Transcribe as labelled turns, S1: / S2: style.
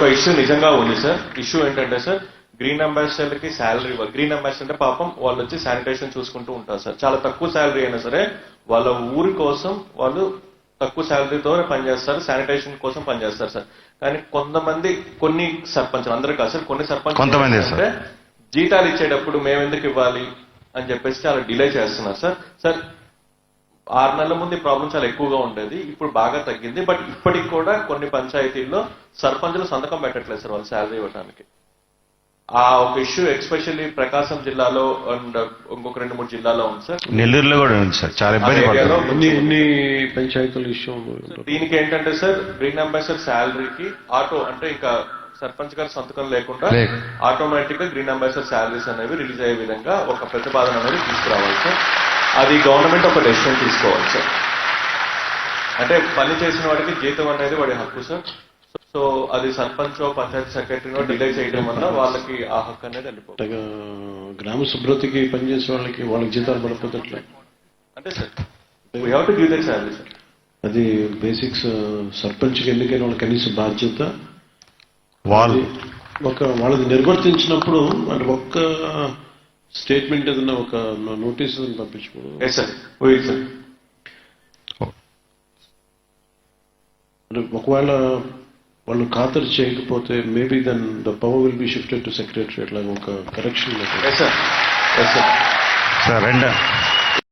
S1: ఒక ఇష్యూ నిజంగా ఉంది సార్. ఇష్యూ ఏంటంటే సార్, గ్రీన్ అంబాసిడర్ కి శాలరీ, గ్రీన్ అంబాసిడర్ అంటే పాపం వాళ్ళు వచ్చి శానిటేషన్ చూసుకుంటూ ఉంటారు సార్. చాలా తక్కువ శాలరీ అయినా సరే వాళ్ళ ఊరి కోసం వాళ్ళు తక్కువ శాలరీతో పనిచేస్తారు, శానిటేషన్ కోసం పనిచేస్తారు సార్. కానీ కొన్ని సర్పంచ్, అందరూ కాదు సార్, కొన్ని సర్పంచ్ అంటే జీతాలు ఇచ్చేటప్పుడు మేము ఎందుకు ఇవ్వాలి అని చెప్పేసి చాలా డిలే చేస్తున్నారు సార్. సార్ 6 నెలల ముందు ఈ ప్రాబ్లం చాలా ఎక్కువగా ఉండేది, ఇప్పుడు బాగా తగ్గింది. బట్ ఇప్పటికి కూడా కొన్ని పంచాయతీల్లో సర్పంచులు సంతకం పెట్టట్లేదు సార్ వాళ్ళు శాలరీ ఇవ్వడానికి. ఆ ఒక ఇష్యూ ఎస్పెషల్లీ ప్రకాశం జిల్లాలో అండ్ ఇంకొక 2-3 జిల్లాలో ఉంది సార్.
S2: నెల్లూరులో కూడా ఉంది సార్, చాలా ఇబ్బంది
S3: పడుతుంది పంచాయతీల ఇష్యూ.
S1: దీనికి ఏంటంటే సార్, గ్రీన్ అంబాసిడర్ శాలరీకి ఆటో అంటే ఇంకా సర్పంచ్ గారి సంతకం లేకుండా ఆటోమేటిక్ గా గ్రీన్ అంబాసిడర్ శాలరీస్ అనేవి రిలీజ్ అయ్యే విధంగా ఒక ప్రతిపాదన అనేది తీసుకురావాలి సార్. అది గవర్నమెంట్ ఒక డెసిషన్ తీసుకోవాలి సార్. అంటే పని చేసిన వాడికి జీతం అనేది వాడి హక్కు సార్. సో అది సర్పంచ్ పంచాయతీ సెక్రటరీనో డిలే చేయడం వల్ల వాళ్ళకి ఆ హక్కు అనేది వెళ్ళిపోతుంది.
S3: గ్రామ శుభ్రతకి పనిచేసే వాళ్ళకి జీతాలు పడిపోతట్లే
S1: అంటే sir we have to give that salary sir.
S3: అది బేసిక్స్. సర్పంచ్కి ఎన్నికైన వాళ్ళ కనీస బాధ్యత వాళ్ళది నిర్వర్తించినప్పుడు అంటే ఒక్క స్టేట్మెంట్ ఏదన్నా ఒక నోటీస్ పంపించుకోవడం. ఒకవేళ వాళ్ళు ఖాతరు చేయకపోతే maybe then the power will be shifted to secretary. అట్లా ఒక కరెక్షన్
S2: సార్.